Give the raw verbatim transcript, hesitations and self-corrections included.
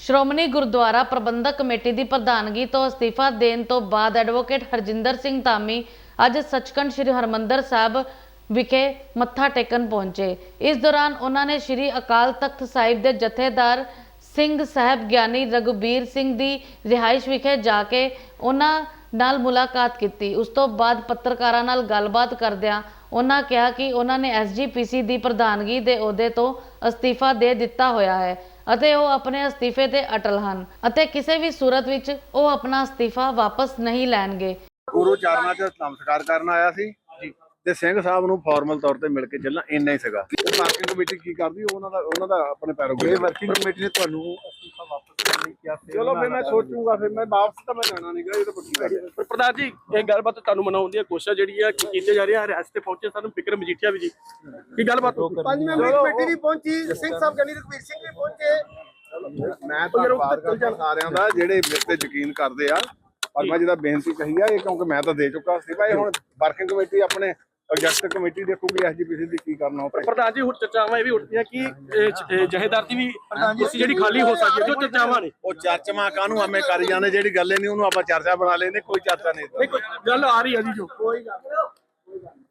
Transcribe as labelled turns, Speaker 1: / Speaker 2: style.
Speaker 1: Shiromani Gurdwara Parbandhak committee ਦੀ ਪ੍ਰਧਾਨਗੀ ਤੋਂ ਅਸਤੀਫਾ ਦੇਣ ਤੋਂ ਬਾਅਦ ਐਡਵੋਕੇਟ ਹਰਜਿੰਦਰ ਸਿੰਘ ਧਾਮੀ ਅੱਜ ਸੱਚਖੰਡ ਸ੍ਰੀ ਹਰਮੰਦਰ ਸਾਹਿਬ ਵਿਖੇ ਮੱਥਾ ਟੇਕਣ ਪਹੁੰਚੇ। ਇਸ ਦੌਰਾਨ ਉਹਨਾਂ ਨੇ ਸ੍ਰੀ ਅਕਾਲ ਤਖਤ ਸਾਹਿਬ ਦੇ ਜਥੇਦਾਰ ਸਿੰਘ ਸਾਹਿਬ ਗਿਆਨੀ ਰਘੁਬੀਰ ਸਿੰਘ ਦੀ ਰਿਹਾਇਸ਼ ਵਿਖੇ ਜਾ ਕੇ ਉਹਨਾਂ ਨਾਲ ਮੁਲਾਕਾਤ ਕੀਤੀ। ਉਸ ਤੋਂ ਬਾਅਦ ਪੱਤਰਕਾਰਾਂ ਨਾਲ ਗੱਲਬਾਤ ਕਰਦਿਆਂ ਉਹਨਾਂ ਕਿਹਾ ਕਿ ਉਹਨਾਂ ਨੇ ਐਸ ਜੀ ਪੀ ਸੀ ਦੀ ਪ੍ਰਧਾਨਗੀ ਦੇ ਅਹੁਦੇ ਤੋਂ ਅਸਤੀਫਾ ਦੇ ਦਿੱਤਾ ਹੋਇਆ ਹੈ ਅਤੇ ਉਹ ਆਪਣੇ ਅਸਤੀਫੇ ਤੇ ਅਟਲ ਹਨ ਅਤੇ ਕਿਸੇ ਵੀ ਸੂਰਤ ਵਿੱਚ ਉਹ ਆਪਣਾ ਅਸਤੀਫਾ ਵਾਪਸ ਨਹੀਂ ਲੈਣਗੇ।
Speaker 2: ਗੁਰੂ ਚਰਨਾਂ 'ਚ ਨਮਸਕਾਰ ਕਰਨ ਆਇਆ ਸੀ ਤੇ ਸਿੰਘ ਸਾਹਿਬ ਨੂੰ ਫਾਰਮਲ ਤੌਰ ਤੇ ਮਿਲ ਕੇ ਚੱਲਣਾ ਇੰਨਾ ਹੀ ਸੀਗਾ। ਵਰਕਿੰਗ ਕਮੇਟੀ ਕੀ ਕਰਦੀ ਉਹਨਾਂ ਦਾ ਉਹਨਾਂ ਦਾ ਆਪਣੇ ਪੈਰੋਗੇ ਵਰਕਿੰਗ ਕਮੇਟੀ ਨੇ ਤੁਹਾਨੂੰ ਅਸਤੀਫਾ ਵਾਪਸ ਕਰਨ ਲਈ ਕਿਹਾ। ਚਲੋ ਫਿਰ ਮੈਂ ਸੋਚੂਗਾ, ਫਿਰ ਮੈਂ ਵਾਪਸ ਤਾਂ ਮੈਂ ਜਾਣਾ ਨਹੀਂਗਾ, ਇਹ ਤਾਂ ਪੱਕੀ ਗੱਲ ਹੈ।
Speaker 3: ਪ੍ਰਧਾਨ ਜੀ ਇਹ ਗੱਲਬਾਤ ਤੁਹਾਨੂੰ ਮਨਾਉਣ ਦੀਆਂ ਕੋਸ਼ਿਸ਼ਾਂ ਜਿਹੜੀ ਆ ਕੀਤੀਆਂ ਜਾ ਰਹੀਆਂ। ਰਿਆਸਤ ਤੇ ਪਹੁੰਚੇ ਸਾਨੂੰ ਫਿਕਰ ਮਜੀਠੀਆ ਵੀ ਜੀ ਕੀ ਗੱਲਬਾਤ
Speaker 2: ਪੰਜ ਮੈਂਬਰੀ ਕਮੇਟੀ ਵੀ ਪਹੁੰਚੀ, ਸਿੰਘ ਸਾਹਿਬ ਗਿਆਨੀ ਰਘੁਬੀਰ ਸਿੰਘ ਵੀ ਪਹੁੰਚੇ। ਮੈਂ ਧੰਨਵਾਦ ਕਰਦਾ ਸਾਰਿਆਂ ਦਾ ਜਿਹੜੇ ਮੇਰੇ ਤੇ ਯਕੀਨ ਕਰਦੇ ਆ। ਪਰ ਮੈਂ ਜਿਹਦਾ ਬੇਨਤੀ ਕਹੀ ਆ ਇਹ ਕਿਉਂਕਿ ਮੈਂ ਤਾਂ ਦੇ ਚੁੱਕਾ ਸੀ ਭਾਈ, ਹੁਣ ਵਰਕਿੰਗ ਕਮੇਟੀ ਆਪਣੇ ਐਗਜ਼ੈਕਟਿਵ ਕਮੇਟੀ ਦੇਖੂਗੀ ਐਸ ਜੀ ਪੀ ਸੀ ਦੀ ਕੀ ਕਰਨਾ।
Speaker 3: ਪ੍ਰਧਾਨ ਜੀ ਹੁਣ ਚਰਚਾਵਾਂ ਇਹ ਵੀ ਉੱਠਦੀਆਂ ਕਿ ਜਹੇਦਾਰ ਦੀ ਵੀ ਕੁਰਸੀ ਜਿਹੜੀ ਖਾਲੀ ਹੋ ਸਕਦੀ ਹੈ, ਜੋ ਚਰਚਾਵਾਂ ਨੇ
Speaker 2: ਉਹ ਚਰਚਾਵਾਂ ਕਾਹਨੂੰ ਐਵੇਂ ਕਰੀ ਜਾਂਦੇ, ਜਿਹੜੀ ਗੱਲ ਨਹੀਂ ਉਹਨੂੰ ਆਪਾਂ ਚਰਚਾ ਬਣਾ ਲੈਂਦੇ। ਕੋਈ ਚਰਚਾ ਨਹੀਂ,
Speaker 3: ਗੱਲ ਆ ਰਹੀ ਹੈ ਜੀ ਜੋ
Speaker 2: ਕੋਈ ਗੱਲ